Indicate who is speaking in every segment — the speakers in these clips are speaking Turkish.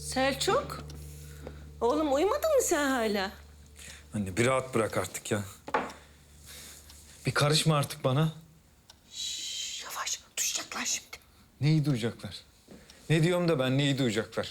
Speaker 1: Selçuk, oğlum uyumadın mı sen hala?
Speaker 2: Anne bir rahat bırak artık ya. Bir karışma artık bana.
Speaker 1: Yavaş, duyacaklar şimdi.
Speaker 2: Neyi duyacaklar? Ne diyorum da ben neyi duyacaklar?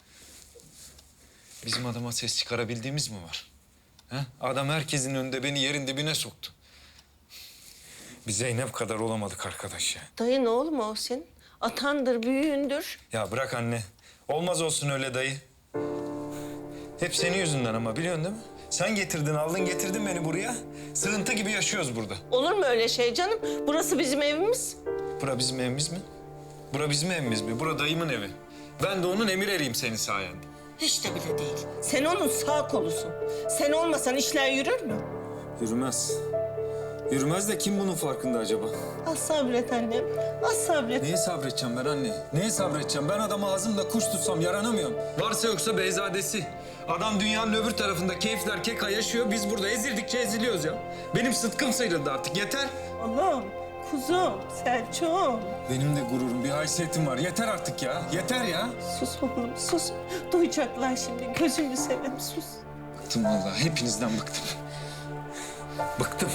Speaker 2: Bizim adama ses çıkarabildiğimiz mi var? He? Adam herkesin önünde beni yerin dibine soktu. Bir Zeynep kadar olamadık arkadaş ya.
Speaker 1: Dayın oğlum o senin. Atandır, büyüğündür.
Speaker 2: Ya bırak anne. Olmaz olsun öyle dayı. Hep senin yüzünden ama biliyorsun değil mi? Sen getirdin, aldın getirdin beni buraya. Sığıntı gibi yaşıyoruz burada.
Speaker 1: Olur mu öyle şey canım? Burası bizim evimiz.
Speaker 2: Bura bizim evimiz mi? Bura bizim evimiz mi? Bura dayımın evi. Ben de onun emir eriyim senin sayende.
Speaker 1: Hiç de bile değil. Sen onun sağ kolusun. Sen olmasan işler yürür mü?
Speaker 2: Yürümez. Yürümez de kim bunun farkında acaba?
Speaker 1: Az sabret annem, az sabret.
Speaker 2: Neye sabredeceğim ben anne? Neye sabredeceğim? Ben adamı ağzımda kuş tutsam yaranamıyorum. Varsa yoksa beyzadesi. Adam dünyanın öbür tarafında keyifler keka yaşıyor. Biz burada ezildikçe eziliyoruz ya. Benim sıtkım sıyrıldı artık. Yeter.
Speaker 1: Oğlum, kuzum, Selçuk'um.
Speaker 2: Benim de gururum, bir haysiyetim var. Yeter artık ya. Yeter ya.
Speaker 1: Sus oğlum, sus. Duyacaklar şimdi. Gözünü seveyim, sus.
Speaker 2: Bıktım vallahi. Hepinizden bıktım. Bıktım.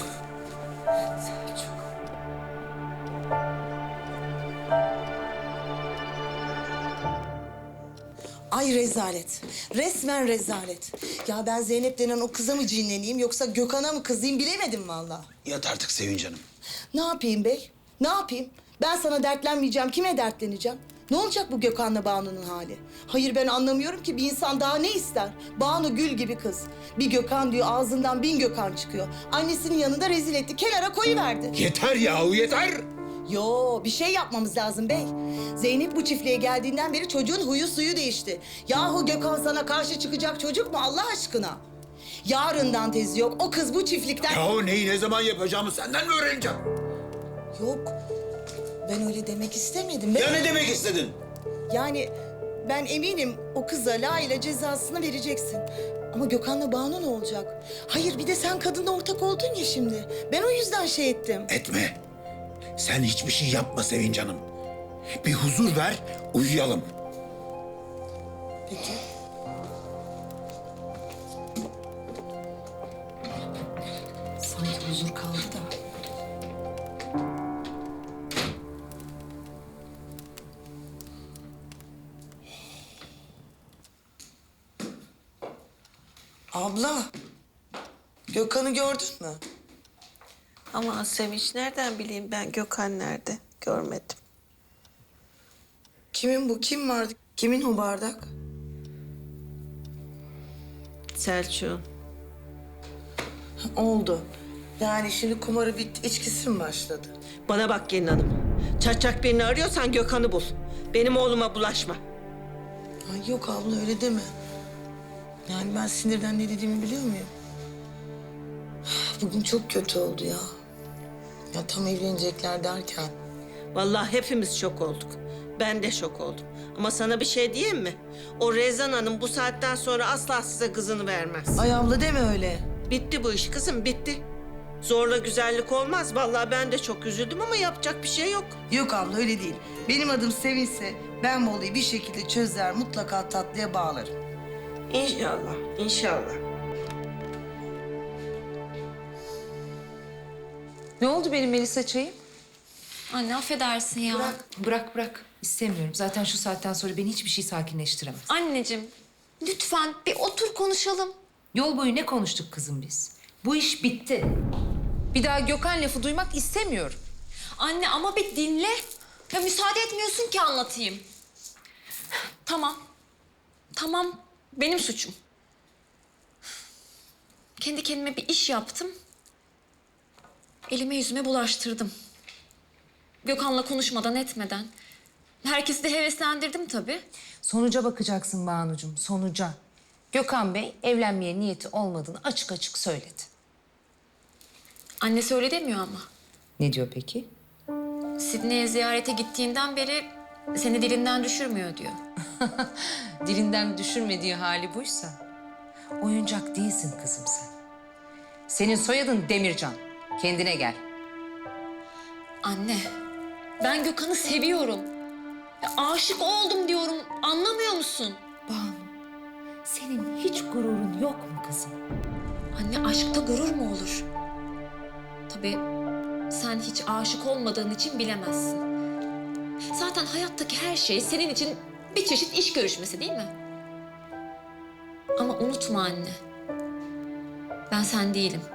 Speaker 3: Ay rezalet. Resmen rezalet. Ya ben Zeynep denen o kıza mı cinleneyim yoksa Gökhan'a mı kızayım bilemedim vallahi.
Speaker 4: Yat artık Sevinç Hanım.
Speaker 3: Ne yapayım bey? Ne yapayım? Ben sana dertlenmeyeceğim. Kime dertleneceğim? Ne olacak bu Gökhan'la Banu'nun hali? Hayır ben anlamıyorum ki bir insan daha ne ister? Banu gül gibi kız. Bir Gökhan diyor ağzından 1000 Gökhan çıkıyor. Annesinin yanında rezil etti. Kenara koyuverdi.
Speaker 4: Yeter yahu yeter.
Speaker 3: Yo bir şey yapmamız lazım bey. Zeynep bu çiftliğe geldiğinden beri çocuğun huyu suyu değişti. Yahu Gökhan sana karşı çıkacak çocuk mu Allah aşkına? Yarından tezi yok. O kız bu çiftlikten...
Speaker 4: Yahu neyi ne zaman yapacağımı senden mi öğreneceğim?
Speaker 3: Yok. Ben öyle demek istemedim. Ben...
Speaker 4: Ya ne demek istedin?
Speaker 3: Yani ben eminim o kıza layığıyla cezasını vereceksin. Ama Gökhan'la Banu ne olacak? Hayır bir de sen kadınla ortak oldun ya şimdi. Ben o yüzden şey ettim.
Speaker 4: Etme. Sen hiçbir şey yapma Sevinç Hanım. Bir huzur ver, uyuyalım.
Speaker 3: Peki. Sanki huzur kaldı da. Abla, Gökhan'ı gördün mü?
Speaker 1: Ama Sevinç nereden bileyim ben Gökhan nerede? Görmedim.
Speaker 3: Kimin bu? Kim vardı? Kimin o bardak?
Speaker 1: Selçuk'un.
Speaker 3: Oldu. Yani şimdi kumarı bitti, içkisi mi başladı?
Speaker 1: Bana bak gelin hanım. Çaçak birini arıyorsan Gökhan'ı bul. Benim oğluma bulaşma.
Speaker 3: Ay yok abla öyle deme. Yani ben sinirden ne dediğimi biliyor muyum? Bugün çok kötü oldu ya. Ya tam evlenecekler derken.
Speaker 1: Vallahi hepimiz şok olduk. Ben de şok oldum. Ama sana bir şey diyeyim mi? O Rezan Hanım bu saatten sonra asla size kızını vermez.
Speaker 3: Ay abla deme öyle.
Speaker 1: Bitti bu iş kızım, bitti. Zorla güzellik olmaz. Vallahi ben de çok üzüldüm ama yapacak bir şey yok.
Speaker 3: Yok abla öyle değil. Benim adım Sevinç'se ben bu olayı bir şekilde çözer, mutlaka tatlıya bağlarım.
Speaker 1: İnşallah, inşallah.
Speaker 5: Ne oldu benim Melisa çayım?
Speaker 6: Anne affedersin ya.
Speaker 5: Bırak. İstemiyorum. Zaten şu saatten sonra beni hiçbir şey sakinleştiremez.
Speaker 6: Anneciğim lütfen bir otur konuşalım.
Speaker 5: Yol boyu ne konuştuk kızım biz? Bu iş bitti. Bir daha Gökhan lafı duymak istemiyorum.
Speaker 6: Anne ama bir dinle. Ya müsaade etmiyorsun ki anlatayım. Tamam. Tamam. Benim suçum. Kendi kendime bir iş yaptım. Elime yüzüme bulaştırdım. Gökhan'la konuşmadan etmeden. Herkesi de heveslendirdim tabii.
Speaker 5: Sonuca bakacaksın Banucuğum, sonuca. Gökhan Bey evlenmeye niyeti olmadığını açık açık söyledi.
Speaker 6: Annesi öyle demiyor ama.
Speaker 5: Ne diyor peki?
Speaker 6: Sidney'e ziyarete gittiğinden beri seni dilinden düşürmüyor diyor.
Speaker 5: Dilinden düşürmediği hali buysa oyuncak değilsin kızım sen. Senin soyadın Demircan. Kendine gel.
Speaker 6: Anne, ben Gökhan'ı seviyorum. Ya, aşık oldum diyorum. Anlamıyor musun?
Speaker 5: Banu. gururun yok mu kızım?
Speaker 6: Anne aşkta gurur mu olur? Tabii sen hiç aşık olmadığın için bilemezsin. Zaten hayattaki her şey senin için bir çeşit iş görüşmesi değil mi? Ama unutma anne. Ben sen değilim.